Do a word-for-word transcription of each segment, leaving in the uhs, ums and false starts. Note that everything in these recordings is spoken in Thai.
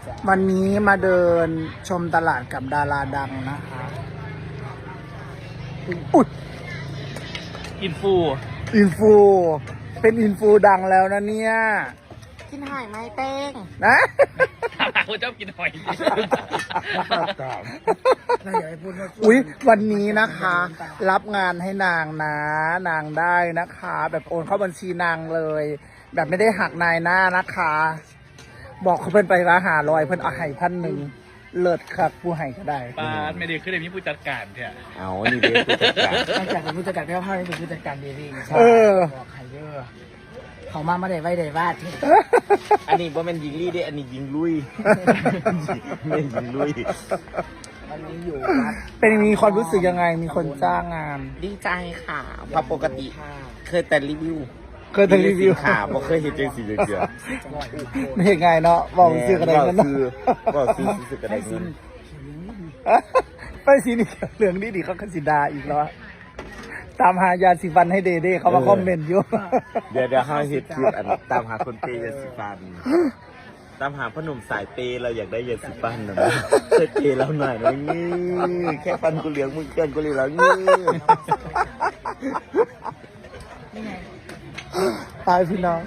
วันนี้มาเดินชมตลาดกับดาราดังนะคะอุ๊ยอินฟูอินฟู เป็นอินฟูดังแล้วนะเนี่ยกินหอยไหมเต้งนะคนชอบกินหอยอุ๊ย วันนี้นะคะ รับงานให้นางนะ นางได้นะคะ แบบโอนเข้าบัญชีนางเลย แบบไม่ได้หักนายหน้านะคะ บอกเขาเพิ่นไปว่าหาลอยเพิ่นเอาให้พันหนึ่งเลิศครับผู้ให้ก็ได้ปาดไม่ได้ขึ้นเลยมีผู้จัดการเถอะเอานี่เด็กผู้จัดการนอกจากเป็นผู้จัดการเพี้ยวเท่านี้เป็นผู้จัดการเดลี่เออบอกใครเด้อเขามาไม่ได้ไว้ได้วาดอันนี้ว่ามันยิงลี่ได้อันนี้ยิงลุยไม่ยิงลุยวันนี้อยู่วัดเป็นมีความรู้สึกยังไง มีคนจ้างงานดีใจค่ะเพราะปกติเคยแต่รีวิวเคยทำรีวิวค่ะบ่เคยเห็นจังสีเดือดไม่เห็นไงเนาะบอกซื้อกระไดกันเนาะคือบอกซื้อซื้อกระไดเงินไปสีนี่เหลืองนี่ดิเขาคันสิดาอีกแล้วอะตามหายาสีฟันให้เดเด้เขามาคอมเมนต์อยู่เดี๋ยวเดี๋ยวห้าเห็ดคืออันตามหาคนเปย์ยาสีฟันตามหาพ่อหนุ่มสายเปย์เราอยากได้ยาสีฟันนะเคยเปย์เราหน่อยนะงี้แค่ฟันกูเหลืองมึงเกินกูเลยแล้วงี้ตายพี่น้อง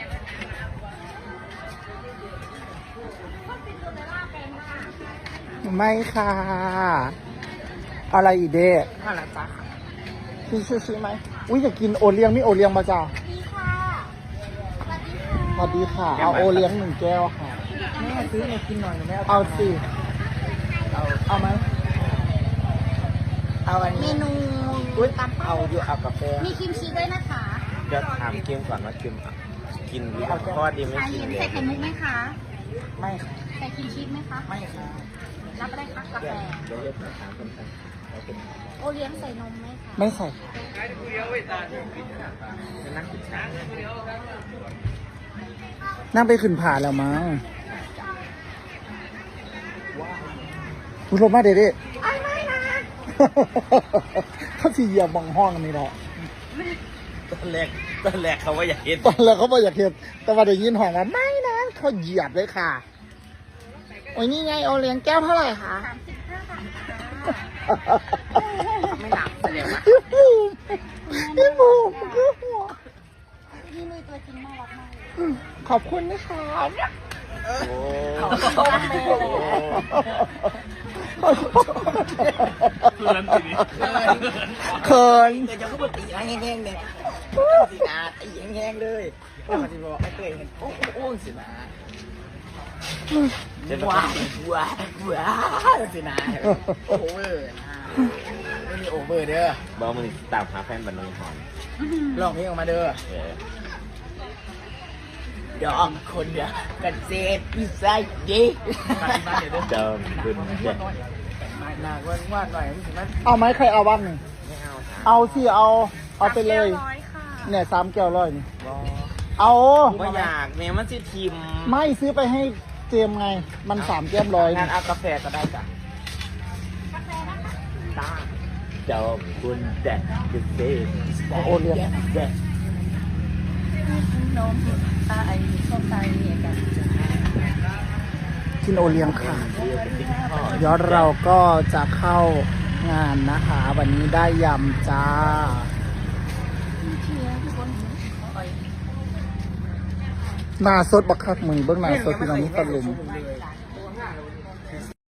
ไม่ค่ะ อะไรอีเด้มาละจ้าซื้อซื้อซื้อไหมอุ้ยอยากกินโอเลี้ยงนี่โอเลี้ยงมาจ้าดีค่ะสวัสดีค่ะสวัสดีค่ะ เอาโอเลี้ยงหนึ่งแก้วค่ะแม่ซื้อมากินหน่อยหนูไม่เอาเอาสิเอาเอาไหมเอาอันเมนี้นูอุ้ยตำเอาอยู่เอากาแฟมีครีมชีสด้วยนะคะเดี๋ยวถามเกมก่อนว่าเกมกินหรือเปล่าเพราะว่าดีไม่ชากินเย็นเลใส่ยไข่มุกไหมคะไม่ค่ะใส่ครีมชีสไหมคะไม่ค่ะรับได้ค่ะกาแฟเดี๋ยวเรียกถามคนกันโอเลี้ยงใส่นมไหมคะไม่ใส่นั่งกินชานั่งไปขึ้นผ่าแล้วมั้งคุณลงมาเด็ดๆไม่นะเขาสีเหยียบบังห้องนี่แหละตอนแรกตอนแรกเขาว่าอยากเห็นตอนแรกเขาบอกอยากเห็นแต่ว่าได้ยินห้องว่าไม่นะเขาเหยียบเลยค่ะ โอ้ยนี่ไงโอเลี้ยงแก้วเท่าไหร่คะสามสิบห้าบาทค่ะไม่หนักแสดงว่าพี่บูมพี่บูมคือหัวพี่นุ้ยตัวจริงน่ารักมากเลยขอบคุณนะคะโอ้เพื่อนทีนี้เขินเดี๋ยวจะเข้ามาตีแห้งๆเนี่ยสีนาตีแห้งๆเลยแล้วมันจะบอกไม่เคยเห็นโอ้โอ้สีนาจะว้าวว้าวว้าวสีนาโอเวอร์นะไม่มีโอเวอร์เด้อบอกมึงตามหาแฟนบันนึงหอนลองเพลงออกมาเด้อเออเดี๋ยวออกคนเดียวกันเซ็ตพิซซ่าดีเดิมคุณเด็กหนักวันวาดหน่อยรู้สึกว่าเอาไหมใครเอาบ้างหนึ่งไม่เอาค่ะเอาสิเอา เอาไปเลยร้อยค่ะเนี่ยสามแก้วร้อยนี่บอเอาไม่อยากแม่มันสิทีมไม่ซื้อไปให้เจมส์ไง มันสามแก้มร้อยงานนี่เอากาแฟก็ได้จ้ะตาเจ้าคุณเด็กเด็กเอาโอเลี้ยงเด็กนมตาไอ้ส้มตาเนี่ยกันกินโอเลี้ยงค่ะเรียกเป็นติ๊กทอดเดี๋ยวเราก็จะเข้างานนะคะ วันนี้ได้ยำจ้าเชียร์คนหน้าสดบักคักมือเบื้องหน้าสดพี่น้องนี่ตะลุมเลย